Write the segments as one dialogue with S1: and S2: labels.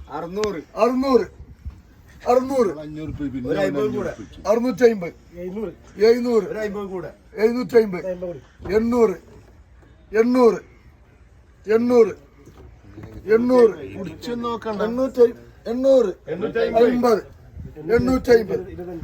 S1: 600
S2: 600 600 650 700 750 800 800 800 800
S1: കുടിച്ചു നോക്കണ്ട
S2: 800 850 850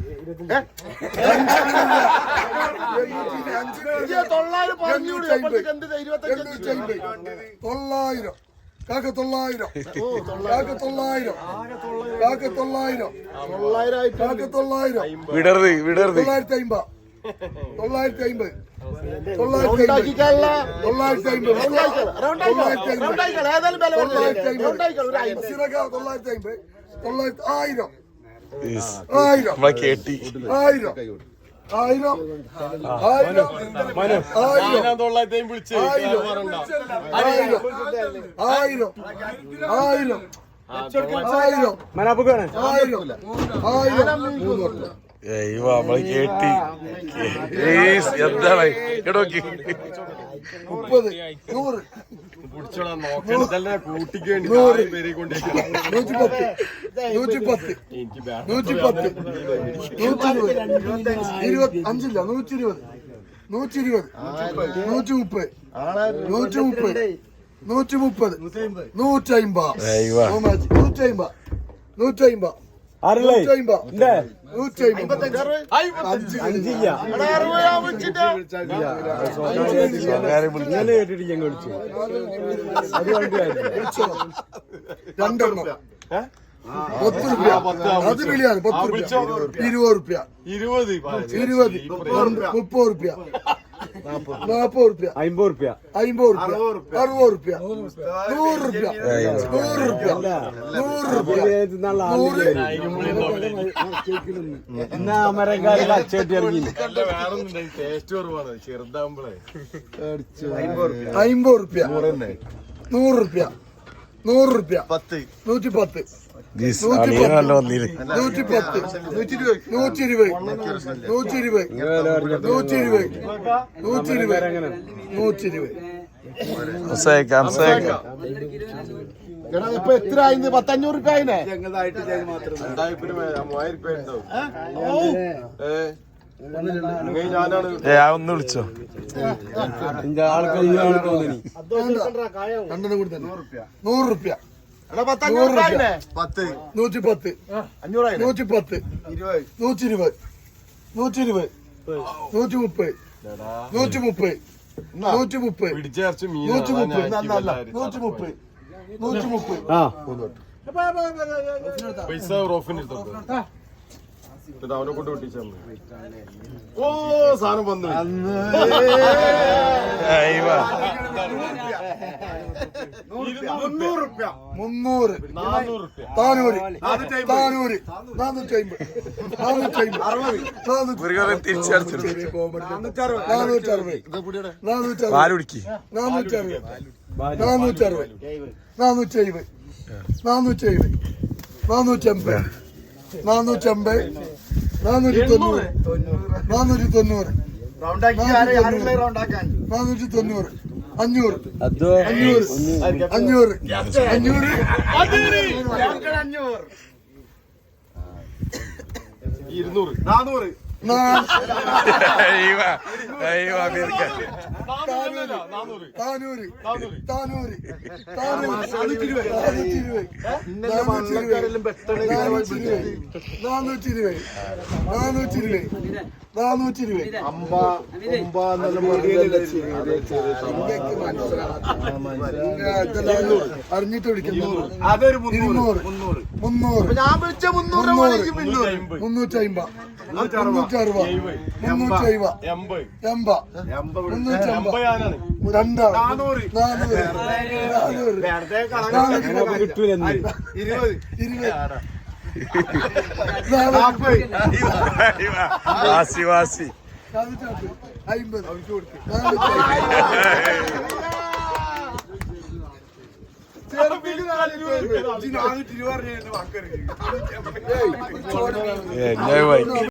S2: 900 കാക്ക 900 കാക്ക 900 കാക്ക 900 കാക്ക 900
S3: വിടർന്ന്
S2: 950 950
S3: കേട്ടി
S2: 1000
S3: നമ്മള് കേട്ടി എന്താണ് കേട്ടോക്കി
S2: 30 100
S1: കൂട്ടിക്കേണ്ടി
S2: 110 രണ്ടെണ്ണം 10 രൂപ അത് വിളിയാണ് 10 രൂപ 20 രൂപ 20 30 രൂപ 40 രൂപ 50 രൂപ 60 രൂപ 100 രൂപ 100 രൂപ 50 രൂപ 100 രൂപ 100 രൂപ 110 120
S1: ഇപ്പൊ എത്ര ആയിന്ന് 1500 രൂപ ആയിനെ
S3: ഒന്ന് വിളിച്ചോ
S2: രണ്ടെണ്ണം കൂടി തന്നെ 100 രൂപ 110 110 120 130 130
S1: പൈസ അവനെ കൊണ്ട് പൊട്ടിച്ച ഓ സാധനം വന്നു
S2: 300 അറിഞ്ഞിട്ട് വിളിക്കുന്നു 300 ഞാൻ വിളിച്ച 350
S3: വാസി
S2: ചെറുപ്പിൽ